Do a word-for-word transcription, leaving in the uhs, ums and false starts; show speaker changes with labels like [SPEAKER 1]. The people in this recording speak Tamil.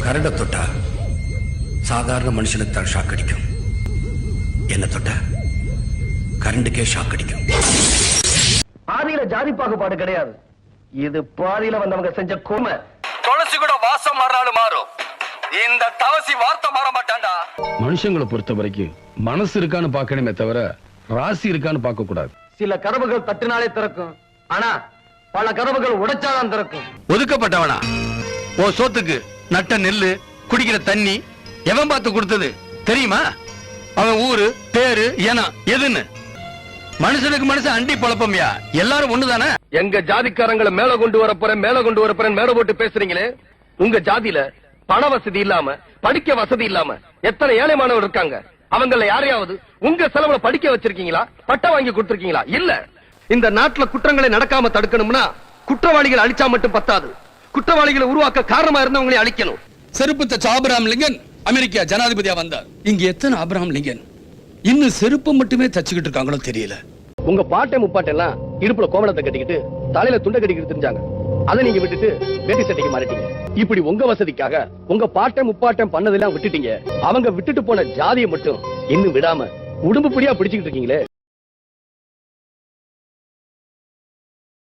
[SPEAKER 1] கரண்ட தொட்டா சாதாரண மனுஷனுக்கு தான் ஷாக் அடிக்கும். என்ன தொட்டா கரண்டுக்கே ஷாக் அடிக்கும்.
[SPEAKER 2] பாதியில ஜாதி பாகுபாடு கிடையாது. இது பாதியில வந்தவங்க செஞ்ச கொடுமை.
[SPEAKER 3] துளசி கூட வாசம் மாறினாலும் மாறும். இந்த தவசி வார்த்தை மாற மாட்டான்டா.
[SPEAKER 4] மனுஷங்களை பொறுத்த வரைக்கும் மனசு இருக்கான்னு பார்க்கணுமே தவிர ராசி இருக்கான்னு பார்க்க கூடாது.
[SPEAKER 2] சில கதவுகள் தட்டினாலே திறக்கும், ஆனா பல கதவுகள் உடைச்சாதான் திறக்கும்.
[SPEAKER 3] ஒதுக்கப்பட்டவனா? ஓ சோத்துக்கு நட்ட நெல்லு குடிக்கிற தண்ணி எவன் பார்த்து கொடுத்தது தெரியுமா? அவன் ஊரு பேரு ஏனா எதுன்னு. மனுஷனுக்கு மனுஷன் அண்டி பழப்பம்யா. எல்லாரும் ஒண்ணுதானே.
[SPEAKER 2] எங்க ஜாதிக்காரங்களை மேல கொண்டு வர போறேன் மேல கொண்டு வர போறேன் மேல போட்டு பேசுறீங்களே. உங்க ஜாதியில பண வசதி இல்லாம படிக்க வசதி இல்லாம எத்தனை ஏழை மாணவர் இருக்காங்க. அவங்கள யாரையாவது உங்க செலவுல படிக்க வச்சிருக்கீங்களா? பட்டம் வாங்கி கொடுத்திருக்கீங்களா? இல்ல. இந்த நாட்டுல குற்றங்களை நடக்காம தடுக்கணும்னா குற்றவாளிகள் அழிச்சா மட்டும் பத்தாது. குற்றவாளிகளை உருவாக்க காரணமா இருந்தவங்களை அழிக்கணும்.
[SPEAKER 3] செருப்பு தச்ச ஆபிரகாம் லிங்கன் அமெரிக்கா ஜனாதிபதியா வந்தார். இங்க எத்தனை ஆபிரகாம் லிங்கன் இன்னும் செருப்பு மட்டுமே தச்சுக்கிட்டு இருக்காங்களோ தெரியல.
[SPEAKER 2] உங்க பாட்டை முப்பாட்டெல்லாம் இடுப்புல கோமணத்தை கட்டிக்கிட்டு தலையில துண்டை கட்டிக்கிட்டு தெரிஞ்சாங்க. அதை நீங்க விட்டுட்டு வேட்டி சட்டைக்கு மாறிட்டீங்க. இப்படி உங்க வசதிக்காக உங்க பாட்டை முப்பாட்டம் பண்ணதெல்லாம் விட்டுட்டீங்க. அவங்க விட்டுட்டு போன ஜாதியை மட்டும் இன்னும் விடாம உடம்பு பிடியா பிடிச்சுக்கிட்டு இருக்கீங்களே.